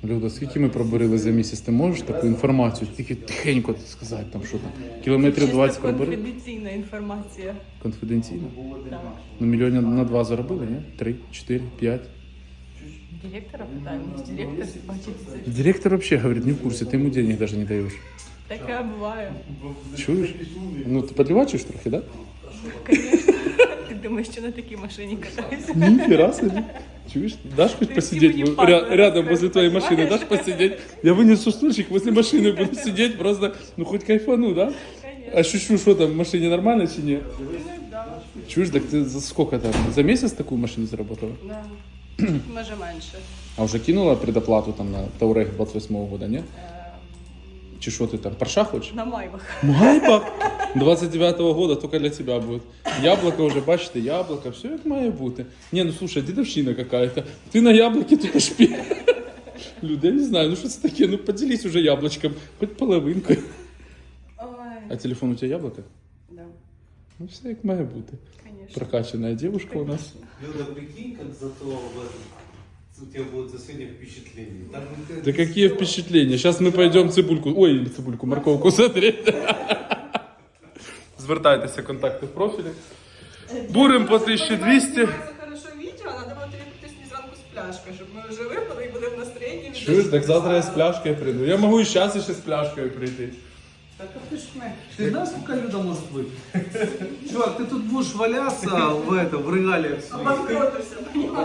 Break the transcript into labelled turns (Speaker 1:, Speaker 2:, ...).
Speaker 1: Люда, скільки ми пробурили за місяць? Ти можеш таку інформацію тільки тихенько сказати, там, що там? Кілометрів 20 пробурили?
Speaker 2: Конфіденційна інформація.
Speaker 1: Конфіденційно?
Speaker 2: Так.
Speaker 1: Ну, мільйонів на 2 заробили, ні? 3, 4, 5.
Speaker 2: Директора питаємо, директор бачить це.
Speaker 1: Директор взагалі говорить, не в курсі, ти йому денег навіть не даєш.
Speaker 2: Таке буває.
Speaker 1: Чуєш? Ну, ти підливачиш трохи, так?
Speaker 2: Звісно. Ти думаєш, що на такій машині катаюся?
Speaker 1: Да? Ніхера собі. Чуешь? Дашь хоть
Speaker 2: Ты
Speaker 1: посидеть
Speaker 2: мені паспорт
Speaker 1: рядом возле твоей
Speaker 2: понимаешь?
Speaker 1: машины? Дашь посидеть? Я вынесу стульчик, возле машины буду сидеть, просто, ну хоть кайфану, да?
Speaker 2: Конечно.
Speaker 1: Ощущу, что там в машине нормально или нет?
Speaker 2: Ну, да.
Speaker 1: Чуешь, так ты за сколько там? За месяц такую машину заработала?
Speaker 2: Да. Може менше.
Speaker 1: А уже кинула предоплату там на Таурег 28-го года, не? Чи что ты там, Порша хочешь?
Speaker 2: На майвах.
Speaker 1: Майбах 29-го года только для тебя будет. Яблоко уже, бачите, яблоко, все як має бути. Не, ну слушай, дедовщина какая-то. Ты на яблоке только шпи. Люди, я не знаю, ну что это такие, ну поделись уже яблочком, хоть половинкой.
Speaker 2: Ой.
Speaker 1: А телефон у тебя яблоко?
Speaker 2: Да,
Speaker 1: Ну все як має бути.
Speaker 2: конечно.
Speaker 1: Прокачанная девушка у нас.
Speaker 3: Люда, прикинь, как зато в этом, у тебя будет за сегодня впечатление. Там
Speaker 1: Да какие впечатления. Сейчас мы пойдем цибульку, ой, цибульку, морковку смотреть. Звертайтеся, контакти в профілі. Бурим по 1200.
Speaker 2: Це хорошо відео, треба було тобі прийти сьогодні зранку з пляшкою, щоб ми вже випили і будемо в настроєнні.
Speaker 1: Чуєш, так завтра я з пляшкою прийду. Я можу і зараз ще з пляшкою прийти.
Speaker 3: Так а ты ж ты знаешь, сколько Люда может быть? Чувак, ты тут будешь валяться в этом, в регалиях своих.
Speaker 2: Обанкротився,